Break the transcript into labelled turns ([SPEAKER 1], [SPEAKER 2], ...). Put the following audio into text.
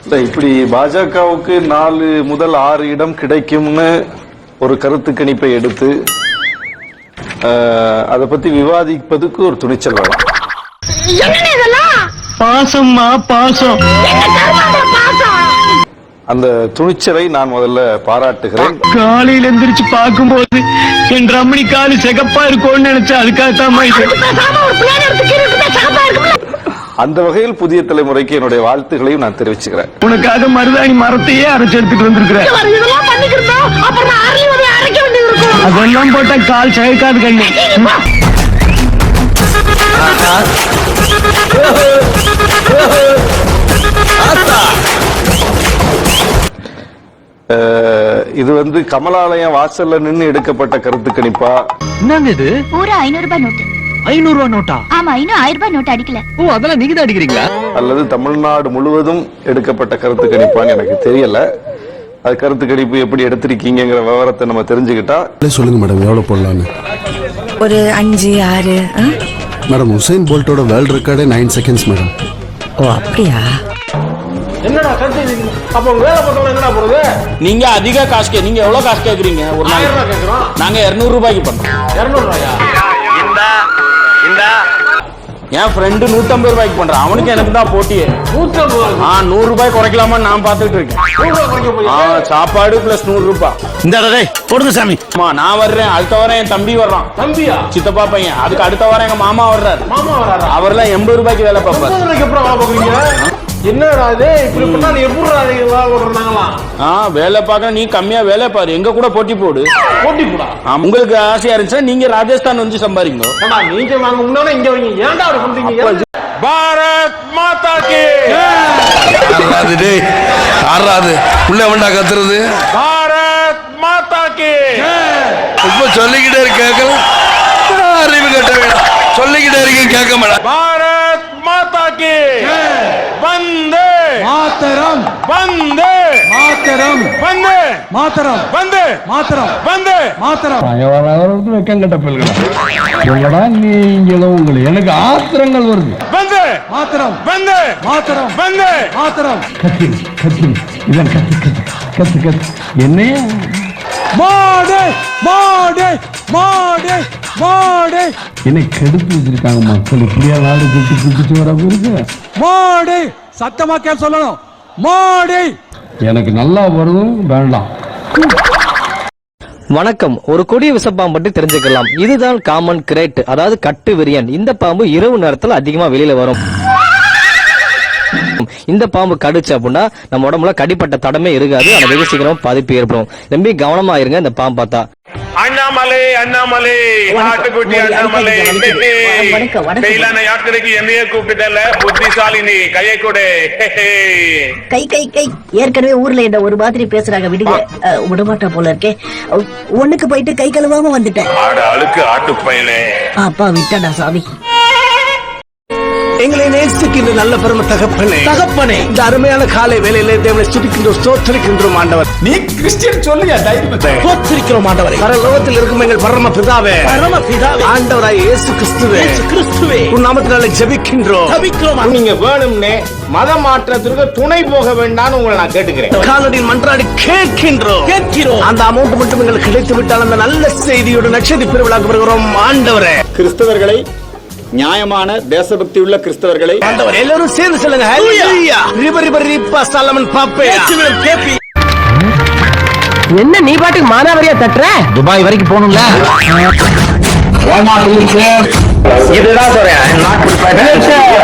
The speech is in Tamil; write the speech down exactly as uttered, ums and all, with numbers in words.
[SPEAKER 1] இப்படி பாஜகவுக்கு நாலு முதல் ஆறு இடம் கிடைக்கும்னு ஒரு கருத்து கணிப்பை எடுத்து அதை பத்தி விவாதிப்பதுக்கு ஒரு துணிச்சல் வேணும்.
[SPEAKER 2] பாசம்மா பாசம்.
[SPEAKER 1] அந்த துணிச்சலை நான் முதல்ல பாராட்டுகிறேன்.
[SPEAKER 2] காலையில எந்திரிச்சு பார்க்கும்போது என் ரமணி காலு சிகப்பா இருக்கும்னு நினைச்சா அதுக்காகத்தான்
[SPEAKER 1] அந்த வகையில் புதிய தலைமுறைக்கு என்னுடைய வாழ்த்துக்களையும் நான் தெரிவிச்சுக்கிறேன்.
[SPEAKER 2] உனக்காக மருதாணி மரத்தையே அரைச்சு எடுத்துட்டு வந்திருக்கிறேன். அதெல்லாம் போட்டா கால் சகைக்காது கண்ணு.
[SPEAKER 1] இது வந்து கமலாலயம் வாசல்ல நின்று எடுக்கப்பட்ட கருத்து கணிப்பா?
[SPEAKER 2] என்னங்க இது?
[SPEAKER 3] ஒரு ஐநூறு ரூபாய் நோட்டு.
[SPEAKER 2] ஐநூறு ரூபாய் நோட்டா?
[SPEAKER 3] ஆமா, இன்னும் ஆயிரம் ரூபாய் நோட்டு அடிக்கல.
[SPEAKER 2] ஓ, அதெல்லாம் நீங்க தான் அடிக்கிறீங்களா?
[SPEAKER 1] அல்லது தமிழ்நாடு முழுவதும் எடுக்கப்பட்ட கருத்து கணிப்பான்னு எனக்கு தெரியல. அது கருத்து கணிப்பு எப்படி எடுத்திருக்கீங்கிற விவரத்தை நம்ம தெரிஞ்சுக்கிட்டா
[SPEAKER 4] சொல்லுங்க மேடம், எவ்வளவு போடலான்னு.
[SPEAKER 5] ஒரு அஞ்சு ஆறு.
[SPEAKER 4] மேடம், உசைன் போல்ட்டோட வேர்ல்ட் ரெக்கார்டே நைன் செகண்ட்ஸ் மேடம்.
[SPEAKER 5] ஓ, அப்படியா?
[SPEAKER 6] என்னடா கருத்து? அப்ப வேலை பண்றவங்க என்னடா போறது?
[SPEAKER 7] நீங்க அதிக காசு கே நீங்க எவ்வளவு காசு கேக்குறீங்க? ஒரு
[SPEAKER 6] ஆயிரம் ரூபாய் கேக்குறோம்.
[SPEAKER 7] நாங்க இருநூறு ரூபாய்க்கு பண்றோம்.
[SPEAKER 6] இருநூறு ரூபாயா?
[SPEAKER 7] இந்த இந்த என் ஃப்ரெண்டு நூத்தம்பது ரூபாய்க்கு பண்றான். அவனுக்கு எனக்கு தான் போட்டியே.
[SPEAKER 6] நூத்தம்பது?
[SPEAKER 7] ஆ, நூறு ரூபாய் குறைக்கலாமா நான் பாத்துட்டு இருக்கேன். ஆ, சாப்பாடு பிளஸ் நூறு ரூபாய்.
[SPEAKER 2] இந்த போடுங்க சாமி.
[SPEAKER 7] அம்மா, நான் வர்றேன். அடுத்த வாரம் என் தம்பி வர்றான்.
[SPEAKER 6] தம்பியா?
[SPEAKER 7] சித்தப்பா பையன். அதுக்கு அடுத்த வாரம் எங்க மாமா வர்றாரு.
[SPEAKER 6] மாமா வர்றாரா?
[SPEAKER 7] அவர்லாம் எண்பது ரூபாய்க்கு வேலை பார்ப்பாரு.
[SPEAKER 6] எண்பது ரூபாய்க்கு அப்புறம் வேலை பார்க்குறீங்க? என்னடா இது இப்படி பண்ணா? நீ எப்படி வேலை?
[SPEAKER 7] ஆ, வேலை பார்க்க நீ கம்மியா வேலை பாரு. எங்க கூட போட்டி போடு.
[SPEAKER 6] போட்டி போடா?
[SPEAKER 7] உங்களுக்கு ஆசையா இருந்துச்சுன்னா நீங்க ராஜஸ்தான் வந்து சம்பாதிங்க.
[SPEAKER 6] நீங்க வாங்க முன்னாடி இங்க வைங்க. ஏன்டா அப்படி பண்றீங்க?
[SPEAKER 7] பாரத் மாதா கி
[SPEAKER 8] ஆறாது உள்ள வேண்டா கத்துறது.
[SPEAKER 7] பாரத் மாதா கி
[SPEAKER 8] இப்ப சொல்லிக்கிட்டே இருக்க கேட்கல. அறிவு கட்ட வேண்டாம். சொல்லிக்கிட்டே இருக்கீங்க கேட்க மாட்டேன்.
[SPEAKER 7] பாரத் மாதா கி வந்தே
[SPEAKER 2] மாதரம்
[SPEAKER 7] வந்தே
[SPEAKER 2] மாதரம்
[SPEAKER 7] வந்தே
[SPEAKER 2] மாதரம்
[SPEAKER 7] வந்தே
[SPEAKER 2] மாதரம்
[SPEAKER 7] வந்தே
[SPEAKER 2] மாதரம். வெக்கங்கட்ட பிள்ளைகளா உங்களடா நீங்களும் உங்களுக்கு எனக்கு ஆத்திரங்கள் வருது.
[SPEAKER 7] வந்தே
[SPEAKER 2] மாதரம்
[SPEAKER 7] வந்தே
[SPEAKER 2] மாதரம்
[SPEAKER 7] வந்தே
[SPEAKER 2] மாதரம். கத்தி கத்தி இதான் கத்தி கத்தி கத்தி கத்தி என்னைய மாடே மாடே மாடே மாடே என்னை கெடுத்து வச்சிருக்காங்க மக்கள். இப்படியா நாடு குட்டி குடிச்சு வர இருக்கு. மாடே சத்தமா கேள் சொல்லணும். மாடே எனக்கு நல்லா வருதும் வேண்டாம்.
[SPEAKER 9] வணக்கம். ஒரு கொடிய விசப்பாம்பு பற்றி தெரிஞ்சுக்கலாம். இதுதான் காமன் கிரேட், அதாவது கட்டு விரியன். இந்த பாம்பு இரவு நேரத்தில் அதிகமா வெளியில வரும். இந்த பாம்பு கடிச்சு அப்படின்னா நம்ம உடம்புல கடிப்பட்ட தடமே இருக்காது. ஆனா வெகு சீக்கிரம் பாதிப்பு ஏற்படும். ரொம்ப கவனமா இருங்க இந்த பாம்பு பார்த்தா.
[SPEAKER 10] அண்ணாமலை அண்ணாமலை நாட்டுக்குட்டி அண்ணாமலை செயலான யாத்திரைக்கு என்னையே கூப்பிட்டல. புத்திசாலினி கையை கொடு.
[SPEAKER 5] கை கை கை. ஏற்கனவே ஊர்ல என்ன ஒரு மாதிரி பேசுறாங்க, விடுங்க. விடமாட்டா போல இருக்கே. ஒண்ணுக்கு போயிட்டு கை கழுவாம வந்துட்டேன்.
[SPEAKER 10] ஆட அழுக்கு ஆட்டு பயலே.
[SPEAKER 5] அப்பா விட்டடா சாமி.
[SPEAKER 2] எங்களை நேசிக்கின்ற நல்ல பெருமை தகப்பனே தகப்பனே இந்த அருமையான காலை வேலையிலே தேவனை துதிக்கின்றோம், ஸ்தோத்திரிக்கின்றோம் ஆண்டவர்.
[SPEAKER 6] நீ கிறிஸ்டியன் சொல்லுங்க.
[SPEAKER 2] ஸ்தோத்திரிக்கிறோம் ஆண்டவரே. பரலோகத்தில் இருக்கும் எங்கள் பரம பிதாவே பரம பிதாவே ஆண்டவராய் இயேசு கிறிஸ்துவே இயேசு கிறிஸ்துவே உன் நாமத்தினாலே ஜெபிக்கின்றோம் ஜெபிக்கிறோம்.
[SPEAKER 6] நீங்க வேணும்னே மத மாற்றத்திற்கு துணை போக வேண்டாம்னு உங்களை நான் கேட்டுக்கிறேன்.
[SPEAKER 2] காலடியில் மன்றாடி கேட்கின்றோம் கேட்கிறோம். அந்த அமௌண்ட் மட்டும் எங்களுக்கு கிடைத்து விட்டால் அந்த நல்ல செய்தியோடு நட்சத்திர பெருவிழாக்கு வருகிறோம் ஆண்டவரே.
[SPEAKER 7] கிறிஸ்தவர்களை, நியாயமான தேசபக்தி உள்ள கிறிஸ்தவர்களை
[SPEAKER 2] ஆண்டவர் எல்லாரும் சேர்ந்து சொல்லுங்க. ஹல்லேலூயா. ரிப ரிப ரிப்பா சலமன் பாப்பே கேப்பி. என்ன நீ பாட்டுக்கு மானாவரியா தட்டுற? துபாய் வரைக்கும் போகணும்ல. இதுதான் சொல்றேன்.